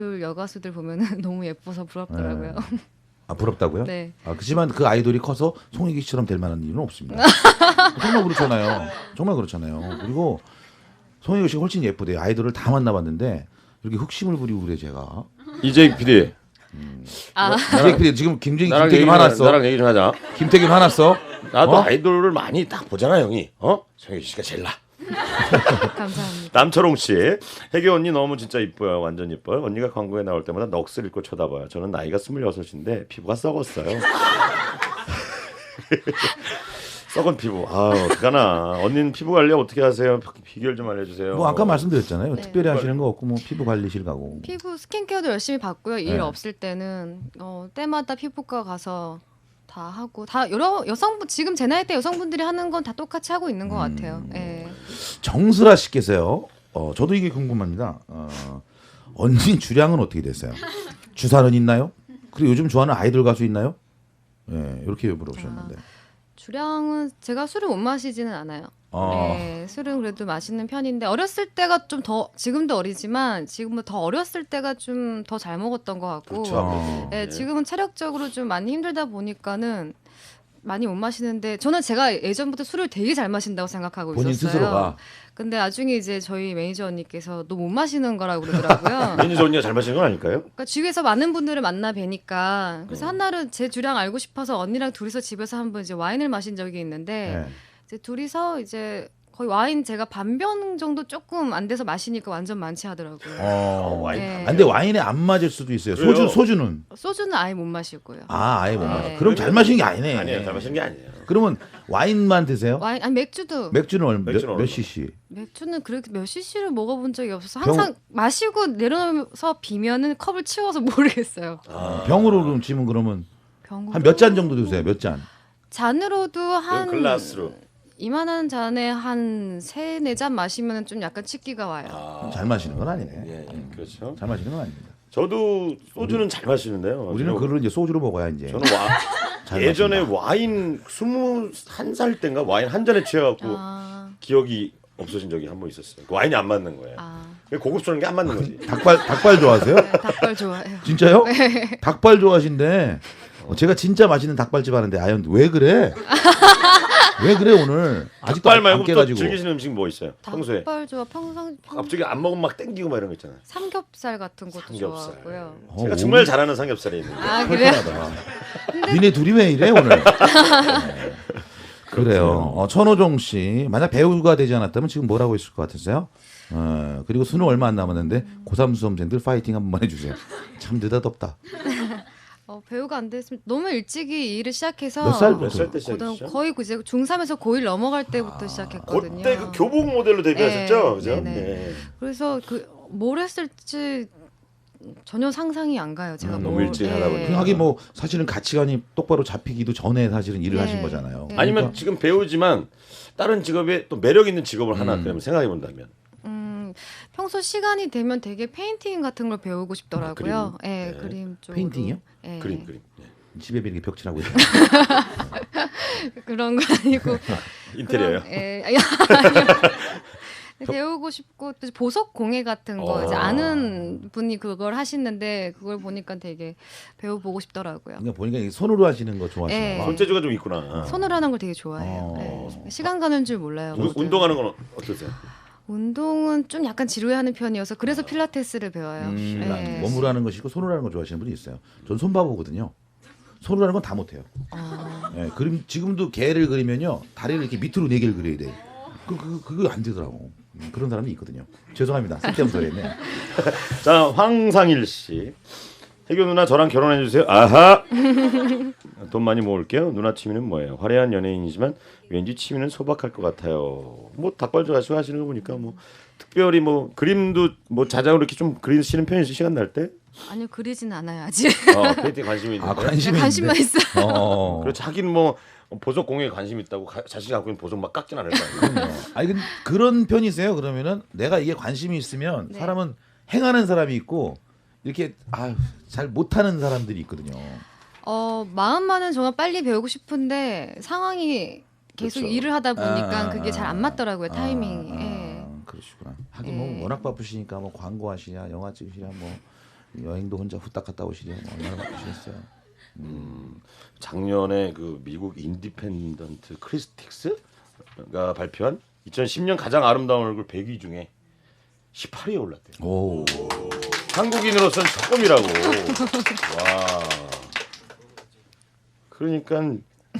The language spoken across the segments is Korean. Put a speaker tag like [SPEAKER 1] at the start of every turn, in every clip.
[SPEAKER 1] 여가수들 보면은 너무 예뻐서 부럽더라고요.
[SPEAKER 2] 아 부럽다고요?
[SPEAKER 1] 네.
[SPEAKER 2] 아 그렇지만 그 아이돌이 커서 송혜기 씨처럼 될 만한 이유는 없습니다. 정말 그렇잖아요. 정말 그렇잖아요. 그리고 송혜기 씨가 훨씬 예쁘대요. 아이돌을 다 만나봤는데 이렇게 흑심을 부리고 그래 제가.
[SPEAKER 3] 이재익 PD.
[SPEAKER 1] 아,
[SPEAKER 2] 이제 PD 지금 김정희
[SPEAKER 3] 나랑
[SPEAKER 2] 김태균 화났어.
[SPEAKER 3] 나랑 얘기 좀 하자.
[SPEAKER 2] 김태균 화났어.
[SPEAKER 3] 나도
[SPEAKER 2] 어?
[SPEAKER 3] 아이돌을 많이 딱 보잖아, 형이. 정혁 씨가 제일 나.
[SPEAKER 1] 감사합니다.
[SPEAKER 3] 남철홍 씨, 혜교 언니 너무 진짜 이뻐요. 완전 이뻐요. 언니가 광고에 나올 때마다 넋을 잃고 쳐다봐요. 저는 나이가 26인데 피부가 썩었어요. 썩은 피부. 어떡하나. 언니는 피부 관리 어떻게 하세요? 비결 좀 알려주세요.
[SPEAKER 2] 뭐 아까 말씀드렸잖아요.
[SPEAKER 1] 네.
[SPEAKER 2] 특별히 하시는 거 없고 뭐 피부 관리실 가고.
[SPEAKER 1] 피부 스킨케어도 열심히 받고요. 일
[SPEAKER 2] 네.
[SPEAKER 1] 없을 때는 때마다 피부과 가서 다 하고 다 여러 여성분 지금 제 나이 때 여성분들이 하는 건 다 똑같이 하고 있는 것 같아요. 예.
[SPEAKER 2] 정슬아 씨께서요. 저도 이게 궁금합니다. 언니 주량은 어떻게 됐어요? 주사는 있나요? 그리고 요즘 좋아하는 아이돌 가수 있나요? 예, 이렇게 물어보셨는데.
[SPEAKER 1] 주량은 제가 술을 못 마시지는 않아요.
[SPEAKER 2] 어.
[SPEAKER 1] 네, 술은 그래도 마시는 편인데 어렸을 때가 좀 더 지금도 어리지만 지금은 더 어렸을 때가 좀 더 잘 먹었던 것 같고
[SPEAKER 2] 그렇죠.
[SPEAKER 1] 네, 지금은 체력적으로 좀 많이 힘들다 보니까는 많이 못 마시는데 저는 제가 예전부터 술을 되게 잘 마신다고 생각하고
[SPEAKER 2] 본인
[SPEAKER 1] 있었어요.
[SPEAKER 2] 스스로가.
[SPEAKER 1] 근데 나중에 이제 저희 매니저 언니께서 너 못 마시는 거라고 그러더라고요.
[SPEAKER 3] 매니저 언니가 잘 마시는 건 아닐까요?
[SPEAKER 1] 그러니까 주위에서 많은 분들을 만나 뵈니까 그래서 한날은 제 주량 알고 싶어서 언니랑 둘이서 집에서 한번 이제 와인을 마신 적이 있는데
[SPEAKER 2] 예.
[SPEAKER 1] 이제 둘이서 이제 거의 와인 제가 반병 정도 조금 안 돼서 마시니까 완전 많지 하더라고요.
[SPEAKER 3] 와인.
[SPEAKER 1] 네.
[SPEAKER 2] 아, 근데 와인에 안 맞을 수도 있어요.
[SPEAKER 3] 그래요?
[SPEAKER 2] 소주는.
[SPEAKER 1] 소주는 아예 못 마시고요.
[SPEAKER 2] 아예 못
[SPEAKER 1] 네.
[SPEAKER 2] 맞아. 그럼 잘 마시는 게 아니네.
[SPEAKER 3] 아니에요. 잘 마시는 게 아니에요.
[SPEAKER 2] 그러면 와인만 드세요?
[SPEAKER 1] 와인 아니 맥주도
[SPEAKER 2] 맥주는
[SPEAKER 3] 맥주는
[SPEAKER 2] 몇
[SPEAKER 3] 얼마?
[SPEAKER 2] cc?
[SPEAKER 1] 맥주는 그렇게 몇 cc를 먹어본 적이 없어서 항상 마시고 내려서 비면은 컵을 치워서 모르겠어요.
[SPEAKER 2] 병으로 그럼 치면 그러면
[SPEAKER 1] 병으로
[SPEAKER 2] 한 몇 잔 정도 드세요? 몇 잔?
[SPEAKER 1] 잔으로도 한
[SPEAKER 3] 글라스로.
[SPEAKER 1] 이만한 잔에 한 3-4잔 마시면 좀 약간 치기가 와요.
[SPEAKER 2] 잘 마시는 건 아니네.
[SPEAKER 3] 예, 그렇죠.
[SPEAKER 2] 잘 마시는 건 아닙니다.
[SPEAKER 3] 저도 소주는 잘 마시는데요.
[SPEAKER 2] 우리는 그걸 이제 소주로 먹어야 이제.
[SPEAKER 3] 저는
[SPEAKER 2] 잘
[SPEAKER 3] 예전에
[SPEAKER 2] 마신다.
[SPEAKER 3] 와인 21살 때인가 와인 한 잔에 취해갖고
[SPEAKER 1] 아,
[SPEAKER 3] 기억이 없어진 적이 한 번 있었어요. 그 와인이 안 맞는 거예요.
[SPEAKER 1] 아,
[SPEAKER 3] 고급스러운 게 안 맞는 거지.
[SPEAKER 2] 닭발 좋아하세요?
[SPEAKER 1] 네, 닭발 좋아해요.
[SPEAKER 2] 진짜요? 닭발 좋아하신데 제가 진짜 맛있는 닭발집 하는데 아연 왜 그래? 왜 그래 오늘? 아직도
[SPEAKER 3] 닭발
[SPEAKER 2] 안
[SPEAKER 3] 말고 또
[SPEAKER 2] 깨가지고.
[SPEAKER 3] 즐기시는 음식 뭐 있어요? 평소에
[SPEAKER 1] 닭발 좋아.
[SPEAKER 3] 갑자기 안 먹으면 막 땡기고 막 이런 거 있잖아요.
[SPEAKER 1] 삼겹살 같은 것도
[SPEAKER 3] 삼겹살.
[SPEAKER 1] 좋아하고요.
[SPEAKER 3] 제가 정말 잘하는 삼겹살이 있는데.
[SPEAKER 1] 아 그래요?
[SPEAKER 2] 털털하다. 니네 둘이 왜 이래 오늘? 네. 그래요. 천호종 씨 만약 배우가 되지 않았다면 지금 뭘 하고 있을 것 같으세요? 그리고 수능 얼마 안 남았는데 고3 수험생들 파이팅 한 번만 해주세요. 참 느닷없다.
[SPEAKER 1] 배우가 안 됐으면 너무 일찍이 일을 시작해서
[SPEAKER 2] 몇 살부터?
[SPEAKER 3] 몇 살 때 시작했죠?
[SPEAKER 1] 거의 이제 중3에서 고1 넘어갈 때부터 시작했거든요.
[SPEAKER 3] 그때 그 교복 모델로 데뷔하셨죠,
[SPEAKER 1] 네,
[SPEAKER 3] 그죠?
[SPEAKER 1] 네네.
[SPEAKER 3] 네.
[SPEAKER 1] 그래서 뭘 했을지 전혀 상상이 안 가요. 제가
[SPEAKER 3] 너무 일찍 하다 보니까.
[SPEAKER 2] 하긴 뭐 사실은 가치관이 똑바로 잡히기도 전에 사실은 일을
[SPEAKER 1] 네.
[SPEAKER 2] 하신 거잖아요.
[SPEAKER 1] 네.
[SPEAKER 3] 아니면
[SPEAKER 2] 그러니까
[SPEAKER 3] 지금 배우지만 다른 직업에 또 매력 있는 직업을 하나 그러면 생각해 본다면.
[SPEAKER 1] 평소 시간이 되면 되게 페인팅 같은 걸 배우고 싶더라고요.
[SPEAKER 3] 그림.
[SPEAKER 1] 예,
[SPEAKER 3] 네.
[SPEAKER 1] 그림 쪽으로.
[SPEAKER 2] 페인팅이요?
[SPEAKER 1] 예.
[SPEAKER 3] 그림. 네.
[SPEAKER 2] 집에 이렇게 벽칠하고 있어요.
[SPEAKER 1] 그런 거 아니고
[SPEAKER 3] 인테리어요.
[SPEAKER 1] 예. 배우고 싶고 또 보석 공예 같은 거 이제 아는 분이 그걸 하시는데 그걸 보니까 되게 배워보고 싶더라고요.
[SPEAKER 2] 그러니까 보니까 이게 손으로 하시는 거 좋아하시나
[SPEAKER 1] 네.
[SPEAKER 2] 봐.
[SPEAKER 3] 손재주가 좀 있구나.
[SPEAKER 1] 손으로 하는 걸 되게 좋아해요. 예. 시간 가는 줄 몰라요.
[SPEAKER 3] 운동하는 건 어떠세요?
[SPEAKER 1] 운동은 좀 약간 지루해하는 편이어서 그래서 필라테스를 배워요. 예.
[SPEAKER 2] 몸으로 하는 것이고 손으로 하는 거 좋아하시는 분이 있어요. 전 손바보거든요. 손으로 하는 건 다 못해요. 예, 그림 지금도 개를 그리면요 다리를 이렇게 밑으로 4개를 그려야 돼. 그거 안 되더라고. 그런 사람이 있거든요. 죄송합니다. 쓸데없는 소리 했네.
[SPEAKER 3] 자, 황상일 씨. 혜교 누나 저랑 결혼해 주세요. 아하. 돈 많이 모을게요. 누나 취미는 뭐예요? 화려한 연예인이지만 왠지 취미는 소박할 것 같아요. 뭐 닭발 좋아하시고 하시는 거 보니까 뭐 특별히 뭐 그림도 뭐 자작으로 이렇게 좀 그리시는 편이세요? 시간 날 때?
[SPEAKER 1] 아니요 그리진 않아요 아직.
[SPEAKER 3] 페인팅 관심이 있는데.
[SPEAKER 2] 관심이
[SPEAKER 1] 관심만
[SPEAKER 2] 있는데.
[SPEAKER 1] 있어요.
[SPEAKER 3] 그렇지 하긴 뭐 보석 공예에 관심 있다고 자신이 갖고 있는 보석 막 깎진 않을 거 아니에요.
[SPEAKER 2] 아니 근데 그런 편이세요? 그러면은 내가 이게 관심이 있으면
[SPEAKER 1] 네.
[SPEAKER 2] 사람은 행하는 사람이 있고 이렇게 잘 못하는 사람들이 있거든요.
[SPEAKER 1] 마음만은 정말 빨리 배우고 싶은데 상황이 계속
[SPEAKER 3] 그렇죠.
[SPEAKER 1] 일을 하다 보니까 그게 잘 안 맞더라고요 타이밍이. 예.
[SPEAKER 2] 그러시구나. 하긴
[SPEAKER 1] 예.
[SPEAKER 2] 뭐 워낙 바쁘시니까 뭐 광고 하시냐, 영화 찍으시냐, 뭐 여행도 혼자 후딱 갔다 오시려 얼마나 바쁘시겠어요.
[SPEAKER 3] 작년에 그 미국 인디펜던트 크리스틱스가 발표한 2010년 가장 아름다운 얼굴 100위 중에 18위에 올랐대요.
[SPEAKER 2] 오.
[SPEAKER 3] 한국인으로서는 처음이라고. 와. 그러니까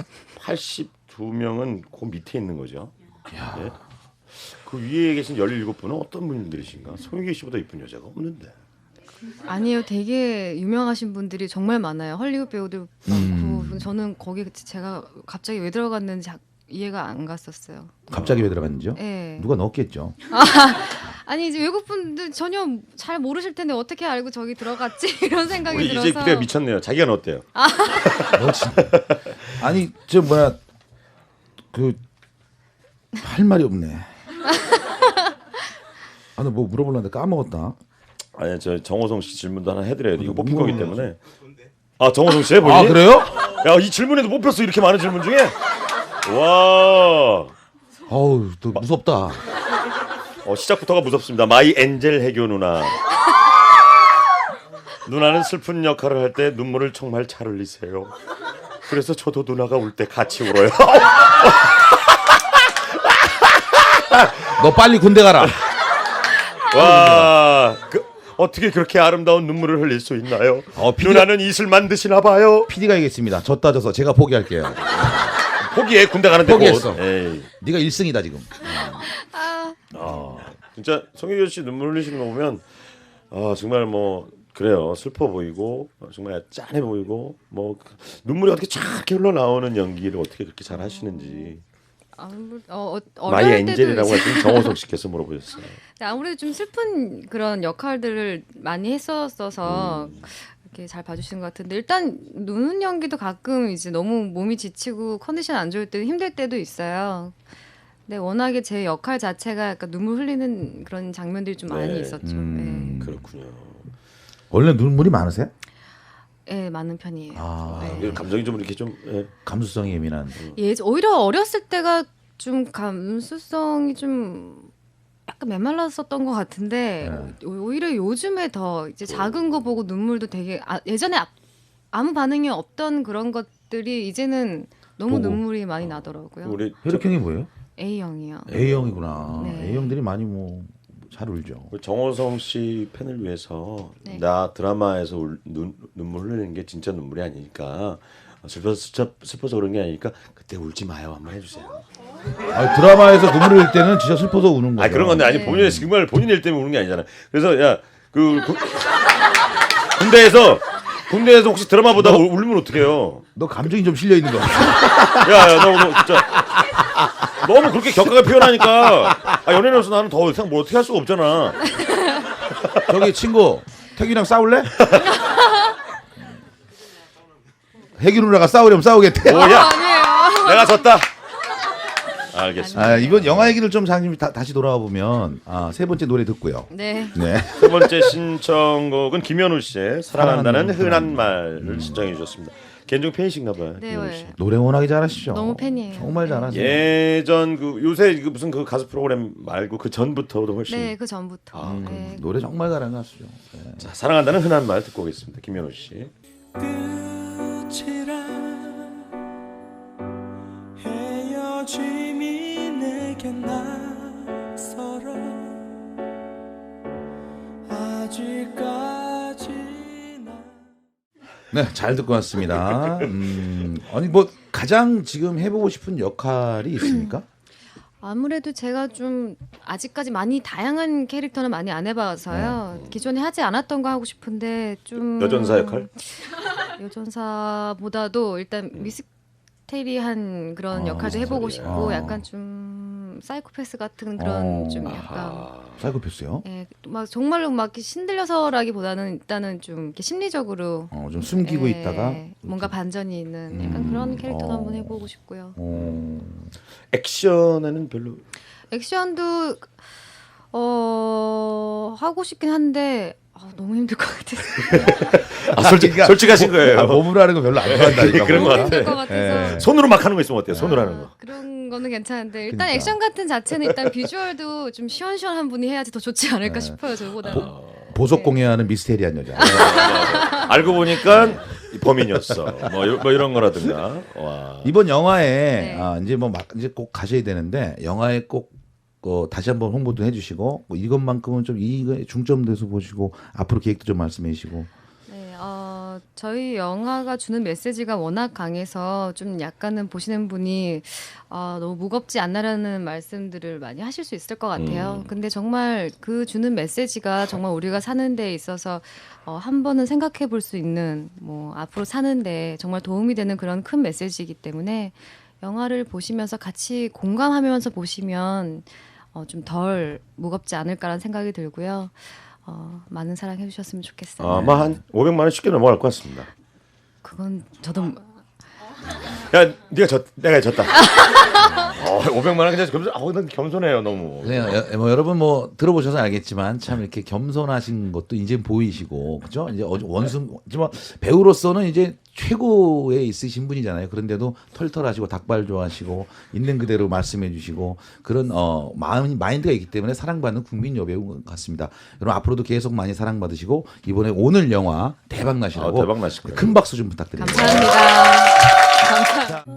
[SPEAKER 3] 82명은 그 밑에 있는 거죠. 예? 그 위에 계신 17분은 어떤 분들이신가? 송혜교 씨보다 이쁜 여자가 없는데.
[SPEAKER 1] 아니에요. 되게 유명하신 분들이 정말 많아요. 헐리우드 배우들 많고 저는 거기 제가 갑자기 왜 들어갔는지 이해가 안 갔었어요.
[SPEAKER 2] 갑자기 왜 들어갔는지요?
[SPEAKER 1] 네.
[SPEAKER 2] 누가 넣었겠죠.
[SPEAKER 1] 아니 이제 외국 분들 전혀 잘 모르실 텐데 어떻게 알고 저기 들어갔지 이런 생각이
[SPEAKER 3] 우리
[SPEAKER 1] 들어서.
[SPEAKER 3] 이제 그때가 미쳤네요. 자기가 넣었대요.
[SPEAKER 2] 아니 저 뭐야 그 할 말이 없네. 아, 나뭐 물어보려는데 까먹었다.
[SPEAKER 3] 아니 저 정호성 씨 질문도 하나 해드려야 돼. 이거 못 핀 거기 때문에. 아 정호성 씨의 본인이?
[SPEAKER 2] 아 그래요?
[SPEAKER 3] 야 이 질문에도 못 폈어 이렇게 많은 질문 중에. 와.
[SPEAKER 2] 어우 또 무섭다.
[SPEAKER 3] 시작부터가 무섭습니다. 마이 엔젤 해교 누나. 누나는 슬픈 역할을 할 때 눈물을 정말 잘 흘리세요. 그래서 저도 누나가 울 때 같이 울어요.
[SPEAKER 2] 너 빨리 군대 가라.
[SPEAKER 3] 와, 어떻게 그렇게 아름다운 눈물을 흘릴 수 있나요? 누나는 이슬만 드시나 봐요.
[SPEAKER 2] PD가 얘기했습니다. 졌다 져서 제가 포기할게요.
[SPEAKER 3] 포기해 군대 가는데
[SPEAKER 2] 포기했어.
[SPEAKER 3] 에이.
[SPEAKER 2] 네가 1승이다 지금.
[SPEAKER 3] 진짜 송혜교 씨 눈물 흘리시는 거 보면 정말 뭐 그래요 슬퍼 보이고 정말 짠해 보이고 뭐 눈물이 어떻게 쫙 흘러나오는 연기를 어떻게 그렇게 잘 하시는지. 마이 엔젤이라고 하시는 정호석 씨께서 물어보셨어요.
[SPEAKER 1] 아무래도 좀 슬픈 그런 역할들을 많이 했었어서 이렇게 잘 봐주시는 것 같은데 일단 노는 연기도 가끔 이제 너무 몸이 지치고 컨디션 안 좋을 때 힘들 때도 있어요. 근데 워낙에 제 역할 자체가 약간 눈물 흘리는 그런 장면들이 좀 많이 있었죠. 네.
[SPEAKER 3] 그렇군요.
[SPEAKER 2] 원래 눈물이 많으세요?
[SPEAKER 1] 네, 많은 편이에요.
[SPEAKER 3] 네. 감정이 좀 이렇게 좀
[SPEAKER 2] 감수성이 예민한.
[SPEAKER 1] 오히려 어렸을 때가 좀 감수성이 좀 약간 메말랐었던 것 같은데 오히려 요즘에 더 이제 작은 거 보고 눈물도 되게 예전에 아무 반응이 없던 그런 것들이 이제는 너무
[SPEAKER 2] 보고.
[SPEAKER 1] 눈물이 많이 나더라고요.
[SPEAKER 3] 우리
[SPEAKER 2] 혈액형이 뭐예요?
[SPEAKER 1] A형이요.
[SPEAKER 2] A형이구나.
[SPEAKER 1] 네.
[SPEAKER 2] A형들이 많이 뭐 잘 울죠.
[SPEAKER 3] 정호성 씨 팬을 위해서
[SPEAKER 1] 네.
[SPEAKER 3] 나 드라마에서 눈물 흘리는 게 진짜 눈물이 아니니까 슬퍼서 그런 게 아니니까 그때 울지 마요 한번 해주세요.
[SPEAKER 2] 드라마에서 눈물 흘릴 때는 진짜 슬퍼서 우는 거죠.
[SPEAKER 3] 그런 건데 아니
[SPEAKER 1] 네.
[SPEAKER 3] 본인의 정말 본인 일 때문에 우는 게 아니잖아. 그래서 야 군대에서 혹시 드라마 보다가 울면 어떡해요?
[SPEAKER 2] 너 감정이 좀 실려 있는 거 같아.
[SPEAKER 3] 야야 너 진짜 너무 그렇게 격하게 표현하니까 연예인으로서 나는 더 이상 뭐 어떻게 할 수가 없잖아.
[SPEAKER 2] 저기 친구 태균이랑 싸울래? 혜균 누나가 싸우려면 싸우겠대.
[SPEAKER 3] 오야
[SPEAKER 1] 아니에요.
[SPEAKER 3] 내가 졌다. 알겠습니다.
[SPEAKER 2] 이번 영화 얘기를 좀 다시 돌아와 보면 세 번째 노래 듣고요.
[SPEAKER 1] 네.
[SPEAKER 2] 네.
[SPEAKER 3] 세 번째 신청곡은 김현우 씨의 사랑한다는
[SPEAKER 2] 사랑한다는
[SPEAKER 3] 흔한 말을 신청해 주셨습니다. 개인적 팬이신가 봐요.
[SPEAKER 1] 네,
[SPEAKER 3] 김현우 씨.
[SPEAKER 2] 노래 워낙에 잘하시죠.
[SPEAKER 1] 너무 팬이에요.
[SPEAKER 2] 정말 잘하세요.
[SPEAKER 3] 예전 요새 무슨 가수 프로그램 말고 그 전부터도 훨씬
[SPEAKER 1] 네, 그 전부터. 네.
[SPEAKER 2] 노래 정말 잘하는 가수죠. 네.
[SPEAKER 3] 자, 사랑한다는 흔한 말 듣고 오겠습니다. 김현우 씨.
[SPEAKER 4] 끝이라 헤어짐이 내겐 낯설어 아직까지나.
[SPEAKER 2] 네, 잘 듣고 왔습니다. 아니 뭐 가장 지금 해보고 싶은 역할이 있습니까?
[SPEAKER 1] 아무래도 제가 좀 아직까지 많이 다양한 캐릭터는 많이 안 해봐서요. 기존에 하지 않았던 거 하고 싶은데 좀
[SPEAKER 3] 여전사 역할?
[SPEAKER 1] 여전사보다도 일단 미스테리한 그런 역할도 해보고 싶고 약간 좀 사이코패스 같은 그런 좀 약간
[SPEAKER 2] 사이코패스요?
[SPEAKER 1] 막 정말로 막 이렇게 신들려서라기보다는 일단은 좀 이렇게 심리적으로
[SPEAKER 2] 좀 숨기고 있다가
[SPEAKER 1] 뭔가 반전이 있는 약간 그런 캐릭터도 한번 해보고 싶고요.
[SPEAKER 3] 액션에는 별로
[SPEAKER 1] 액션도 하고 싶긴 한데 너무 힘들 것 같아서.
[SPEAKER 3] 솔직하신 거예요.
[SPEAKER 2] 몸으로 하는 거 별로 안 좋아한다니까.
[SPEAKER 3] 그런 거
[SPEAKER 1] 너무
[SPEAKER 3] 같아.
[SPEAKER 1] 힘들 것 같아서.
[SPEAKER 3] 손으로 막 하는 거 있으면 어때요? 손으로 하는 거.
[SPEAKER 1] 그런 거는 괜찮은데 일단
[SPEAKER 2] 그러니까.
[SPEAKER 1] 액션 같은 자체는 일단 비주얼도 좀 시원시원한 분이 해야지 더 좋지 않을까 싶어요. 저보다는.
[SPEAKER 2] 보석 공예하는 미스테리한 여자.
[SPEAKER 3] 알고 보니까 범인이었어. 뭐 이런 거라든가. 와.
[SPEAKER 2] 이번 영화에
[SPEAKER 1] 네.
[SPEAKER 2] 이제 이제 꼭 가셔야 되는데 영화에 꼭 다시 한번 홍보도 해주시고 이것만큼은 좀 이거에 중점돼서 보시고 앞으로 계획도 좀 말씀해 주시고.
[SPEAKER 1] 네, 저희 영화가 주는 메시지가 워낙 강해서 좀 약간은 보시는 분이 너무 무겁지 않나라는 말씀들을 많이 하실 수 있을 것 같아요. 근데 정말 그 주는 메시지가 정말 우리가 사는 데 있어서 한 번은 생각해 볼 수 있는 뭐 앞으로 사는데 정말 도움이 되는 그런 큰 메시지이기 때문에 영화를 보시면서 같이 공감하면서 보시면 좀 덜 무겁지 않을까라는 생각이 들고요. 많은 사랑해 주셨으면 좋겠어요.
[SPEAKER 3] 아마 한 500만 원 쉽게 넘어갈 것 같습니다.
[SPEAKER 1] 그건 저도
[SPEAKER 3] 야, 내가 졌다. 500만 원 그냥 난 겸손해요 너무.
[SPEAKER 2] 뭐 여러분 뭐 들어보셔서 알겠지만 참 이렇게 겸손하신 것도 이제 보이시고 그죠? 이제 원숭 뭐 배우로서는 이제 최고에 있으신 분이잖아요. 그런데도 털털하시고 닭발 좋아하시고 있는 그대로 말씀해 주시고 그런 마인드가 있기 때문에 사랑받는 국민 여배우 같습니다. 여러분 앞으로도 계속 많이 사랑받으시고 이번에 오늘 영화 대박 나시라고
[SPEAKER 3] 대박 나실 거예요.
[SPEAKER 2] 큰 박수 좀 부탁드립니다.
[SPEAKER 1] 감사합니다.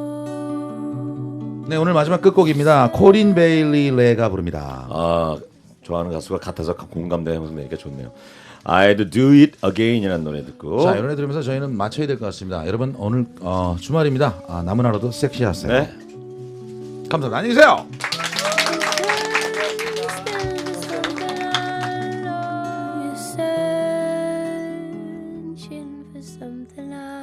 [SPEAKER 2] 네, 오늘 마지막 끝곡입니다. 코린 베일리 레가 부릅니다.
[SPEAKER 3] 좋아하는 가수가 같아서 공감되면서 내니까 좋네요. I'd do it again이라는 노래 듣고.
[SPEAKER 2] 자, 이 노래 들으면서 저희는 마쳐야 될 것 같습니다. 여러분 오늘 주말입니다. 남은 하루도 섹시하세요.
[SPEAKER 3] 네.
[SPEAKER 2] 감사합니다. 안녕히 계세요.
[SPEAKER 5] Searching for something I